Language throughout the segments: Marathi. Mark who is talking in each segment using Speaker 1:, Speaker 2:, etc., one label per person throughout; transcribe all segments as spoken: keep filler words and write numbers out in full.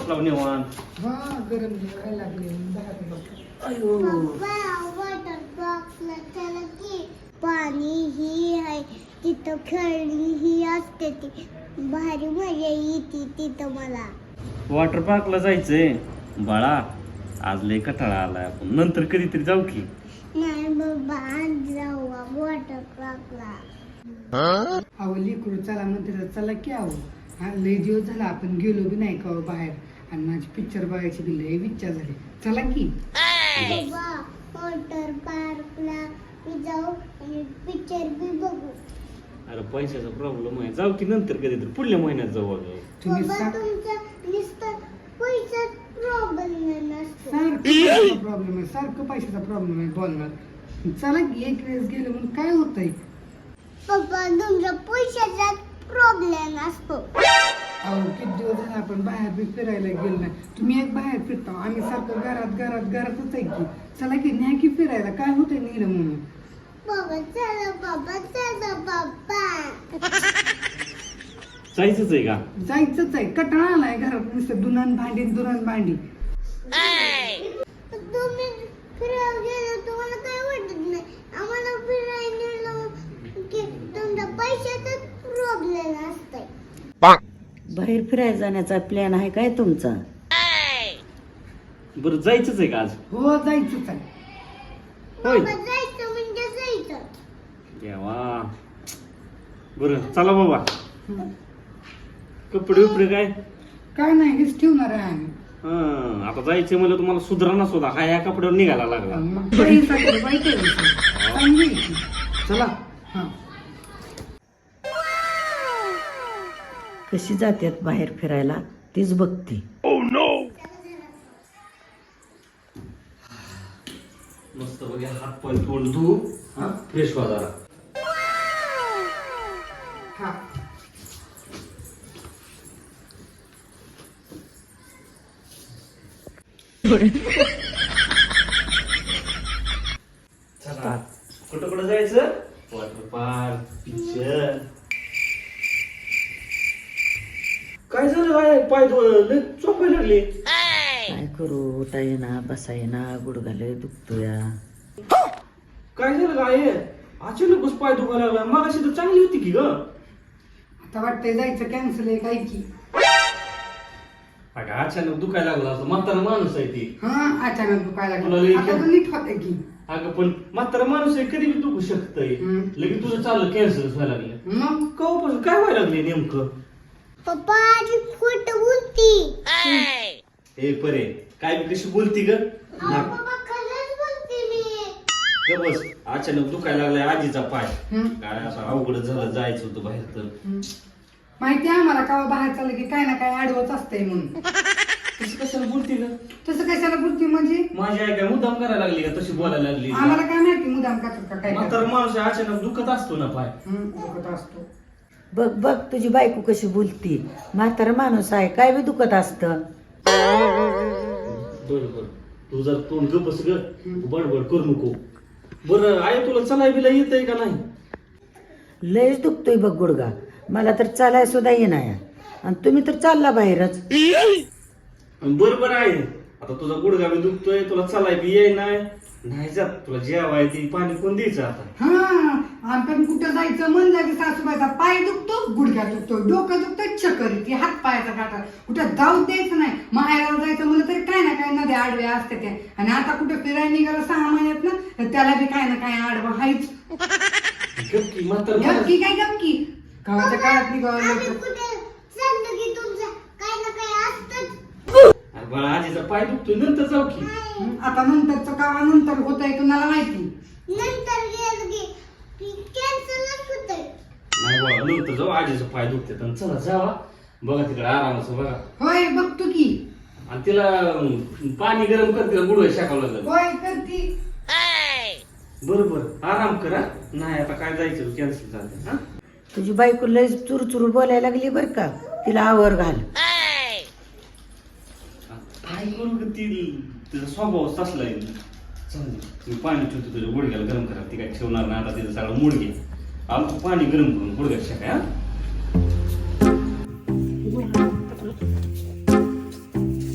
Speaker 1: बसला निवांत.
Speaker 2: हा गरम जेवायला लागले बाहेर बघ.
Speaker 1: अयो
Speaker 3: वॉटर पार्कला चला की पाणी ही आहे तिथं खेळणी ही असते ती भारी मजा येते तिथं मला.
Speaker 1: वॉटर पार्कला जायचंय बाळा. आज लय कटाळा आलाय. आपण नंतर कधीतरी जाऊ की.
Speaker 3: नाही बाबा आज जाऊ वॉटर पार्कला.
Speaker 2: अहो लेकरू चला म्हणते चला की अहो. हा लय दिवस झाला आपण गेलो बी नाही का हो बाहेर आणि माझी पिक्चर बघायची बी लय इच्छा झाली. चला की
Speaker 3: बाबा वॉटर पार्कला मी जाऊ आणि पिक्चर बी बघू.
Speaker 1: अरे पैशाचा प्रॉब्लेम आहे. जाऊ की नंतर कधीतरी पुढल्या महिन्यात जाऊ. अगं
Speaker 2: तुम्ही
Speaker 3: बाबा
Speaker 2: सा-
Speaker 3: तुमचा नुसतं पैसा प्रॉब्लेम नसतो.
Speaker 2: सारखं प्रॉब्लेम आहे सारखं पैशाचा प्रॉब्लेम आहे बोलणार. चला की एक वेळेस गेलो म्हणून काय होतंय.
Speaker 3: पप्पा तुमचा पैशाचा प्रॉब्लेम असतो.
Speaker 2: अहो किती दिवस झाले आपण बाहेर बी फिरायला गेलो नाही. तुम्ही एक बाहेर फिरता आम्ही सारखं घरात घरात घरातच आहे की. चला की न्या की फिरायला काय होतंय नीर म्हणून.
Speaker 3: बाबा चला बाबा चला बाबा.
Speaker 1: जायचंच आहे का?
Speaker 2: जायचंच आहे कटाळा आलाय घरात नुसतं दुनान भांडी दुनान भांडी.
Speaker 3: तुम्ही फिरायला गेलो तुम्हाला काय वाटत नाही. आम्हाला फिरायला नेलं की तुमचा पैशाचाच प्रॉब्लेम असतोय.
Speaker 4: बाहेर फिरायला जाण्याचा प्लॅन आहे काय तुमचा?
Speaker 1: बरं जायचंच आहे का आज?
Speaker 2: हो जायचंच आहे.
Speaker 1: होय
Speaker 3: बाबा जायचं म्हणजे जायचं.
Speaker 1: देवा. बरं चला बाबा. कपडे उपडे काय?
Speaker 2: काय नाही हेच ठेवणार आहे आम्ही.
Speaker 1: हं, आता जायचे मला तुम्हाला सुधारणा सुद्धा हा या कपड्यावर निघायला लागला.
Speaker 2: मग पैसा तर पाहिजे. चांगली आहे की.
Speaker 1: चला.
Speaker 2: हा
Speaker 4: कशी जातात बाहेर फिरायला तीच बघते.
Speaker 1: मस्त बघा हात पाय तोंड धू. हा फ्रेश व्हा जरा.
Speaker 2: हा
Speaker 1: चला कुठं कुठं जायचं? Water park picture. काय झालं काय पाय लय चोपायला लागले.
Speaker 4: काय करू उठा येणार बसा येणार गुडघाले दुखतोया.
Speaker 1: काय झालं काय अचानकच पाय दुखायला लागला. मगाशी तर चांगली होती की ग.
Speaker 2: आता वाटतंय जायचं कॅन्सल आहे काय की.
Speaker 1: अगं अचानक दुखायला लागला असं म्हातारा माणूस आहे ती.
Speaker 2: हा अचानक दुखायला
Speaker 1: तुला
Speaker 2: लागलं.
Speaker 1: लई
Speaker 2: आता तर नीट होतंय की.
Speaker 1: अगं पण म्हातारा माणूस आहे कधी बी दुखू शकतंय.
Speaker 2: हम्म.
Speaker 1: लगेच तुझं चाललं कॅन्सर व्हायला लागलं.
Speaker 2: मग
Speaker 1: कवापासून काय व्हायला लागले नेमकं?
Speaker 3: पप्पा आधी खोटं बोलती.
Speaker 1: ए परे काय बी कशी बोलती ग?
Speaker 3: अहो, पप्पा खरंच बोलते मी.
Speaker 1: ग बस अचानक दुखायला लागलाय आजीचा पाय.
Speaker 2: हम्म.
Speaker 1: काय असं अवघड झालं जायचं होतं बाहेर तर.
Speaker 2: माहिती आहे आम्हाला का बाहेर चाललं की काय ना काय आडवत असतंय म्हणून.
Speaker 1: कशी कशाला बोलती ग?
Speaker 2: तसं कशाला बोलती म्हणजे
Speaker 1: माझी आई काय मुद्दाम करायला लागली का तशी बोलायला लागली?
Speaker 2: आम्हाला काय माहिती मुदाम का का काय
Speaker 1: म्हातारा माणूस आहे, अचानक दुखत असतो ना पाय.
Speaker 2: हम्म, दुखत असतो.
Speaker 4: बघ बघ तुझी बायको कशी बोलती. म्हातारा माणूस आहे काय बी दुखत असतं.
Speaker 1: बर बर तू जर तोंड गपस ग. बडबड करू नको. बरं आई तुला चलाय बिला येतंय का नाही?
Speaker 4: लयच दुखतोय बघ गुडगा. मला तर चालाय सुद्धा येणार आणि तुम्ही तर चालला बाहेरच.
Speaker 1: बरोबर आहे. आता तुझा गुडघा बी दुखतोय तुला चलाय बी येई नाही. नाही जात तुला जेवाय ती पाणी कोण द्यायचं आता?
Speaker 2: हा आपण कुठं जायचं म्हणलं की सासूबाईचा पाय दुखतो गुडघ्या दुखतो डोकं दुखतं चक्कर येते हात पायाचा काटा. कुठं जाऊ द्यायचं नाही. माहेराला जायचं म्हणलं तरी काय ना काय नद्या आडव्या असते त्या. आणि आता कुठं फिरायला निघालं सहा महिन्यात ना तर त्याला बी काय ना काय आडवं हायच.
Speaker 1: गपकी म्हातारा
Speaker 2: गपकी काय गपकी गावाच्या काळात निघावं
Speaker 3: आम्ही
Speaker 2: लागतं.
Speaker 3: कुठे चाललं की तुमचं काय ना काय असतंच.
Speaker 1: अरे बाळा आजीचा पाय दुखतोय नंतर जाऊ की.
Speaker 2: हं, आता नंतरचं कावा नंतर होतंय तुम्हाला माहिती.
Speaker 3: नंतर गेलं की कॅन्सलच होतंय.
Speaker 1: नाही बाळा नंतर जाऊ आजीचा पाय दुखते तर चला जावा. बघा तिकडे आरामाचं बघा.
Speaker 2: होय बघतो की.
Speaker 1: आणि तिला अं, पाणी गरम कर तिला गुडघा शाकावं लागलं.
Speaker 2: होय करती.
Speaker 1: बरोबर आराम करा. नाही आता काय जायचं कॅन्सल झालं. हा
Speaker 4: तुझी बायको लय चुरचुर बोलायला लागली बर का. तिला आवर घाल.
Speaker 1: काय करू ग ती तिचा स्वभाव तसला आहे. चालेल मी पाणी ठेवतो तुझ्या गुडघ्याला गरम करा. ती काय ठेवणार नाही आता तिचं सगळं मुडघे. आलो पाणी गरम करून गुडघ्यात शाका. हा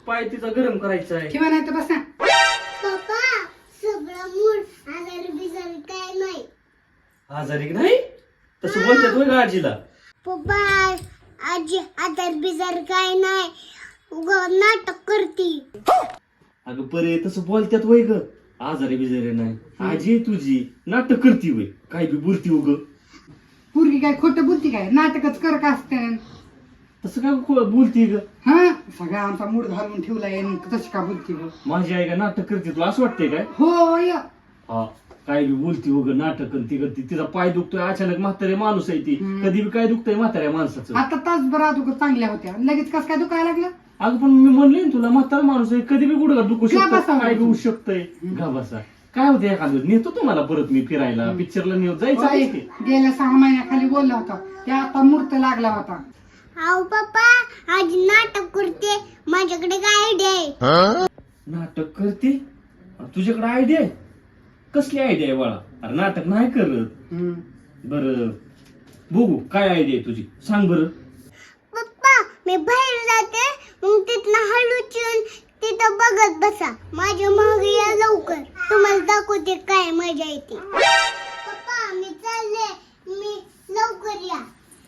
Speaker 1: पाय तिचा गरम करायचा आहे.
Speaker 2: किंवा नाही तर बसा.
Speaker 3: पप्पा सगळं मूड आजार बिजार काय नाही.
Speaker 1: आजारी नाही तसं बोलतात होय का आजीला?
Speaker 3: पप्पा आजी आजार बिजार काय नाही उगा नाटक करती.
Speaker 1: अगं परे तसं बोलतात वय ग. आजारी बिजारी नाही. आजी तुझी नाटक करती वय. काय बी बोलती उग.
Speaker 2: पोरगी काय खोटं बोलती काय? नाटकच कर का असते.
Speaker 1: तसं काय खो- बोलती ग?
Speaker 2: हा सगळा आमचा मूड घालून ठेवलाय आणि तशी का बोलती ग?
Speaker 1: माझी आई का नाटक करते तुला असं वाटतंय काय?
Speaker 2: हो य.
Speaker 1: हा काय बी बोलती उग नाटक करती करती. तिचा पाय दुखतोय अचानक म्हातारे माणूस आहे ती.
Speaker 2: हम्म.
Speaker 1: कधी बी काय दुखतंय म्हाताऱ्या माणसाचं.
Speaker 2: आता तासभर अगोदर चांगल्या होत्या लगेच कस काय दुखायला लागलं?
Speaker 1: अगं पण मी म्हणले ना तुला म्हातारा माणूस आहे कधी बी गुडघा दुखू
Speaker 2: का
Speaker 1: शकतो
Speaker 2: बसावं?
Speaker 1: काय बी होऊ शकतंय. गा बसा. काय होतं एखादं नेतो तुम्हाला परत मी फिरायला पिक्चरला नेऊ जायचं
Speaker 2: होय,
Speaker 1: आहे की?
Speaker 2: गेल्या सहा महिन्याखाली बोलला होता ते आता मूर्त लागला होता.
Speaker 3: अहो पप्पा आज नाटक करते माझ्याकडे काय आयडिया आहे.
Speaker 1: नाटक करते? तुझ्याकडे आयडिया आहे? कसली आयडिया आहे बाळा? अरे नाटक नाही करत.
Speaker 2: हम्म.
Speaker 1: बर बघू काय आयडिया आहे तुझी सांग बरं.
Speaker 3: पप्पा मी बाहेर जाते मग तिथनं हळूच येऊन तिथं बघत बसा. माझ्या मागे या लवकर तुम्हाला दाखवते काय मजा येते. पप्पा मी चालले मी लवकर या.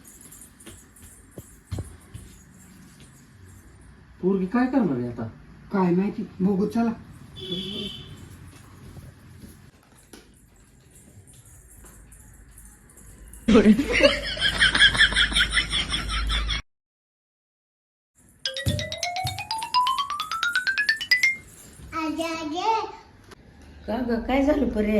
Speaker 1: पोरगी काय करणार आहे आता?
Speaker 2: काय माहिती बघू चला.
Speaker 3: आजे आजे
Speaker 4: का ग काय झालं परे?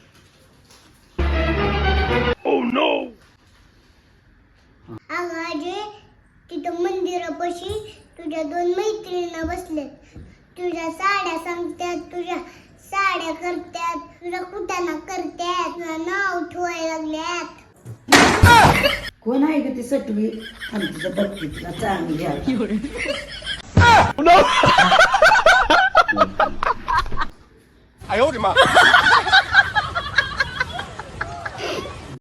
Speaker 3: अगं आजे तिथं मंदिरापाशी तुझ्या दोन मैत्रिणी बसल्यात. तुझ्या साड्या सांगतात तुझ्या साड्या करतात तुझ्या कुटाणा करतात तुझं नाव ठेवायला लागल्यात.
Speaker 4: कोण आहे ग ती सटवी? आणि तिचं बघती तिला चांगली आहे.
Speaker 5: 哎呦我的妈！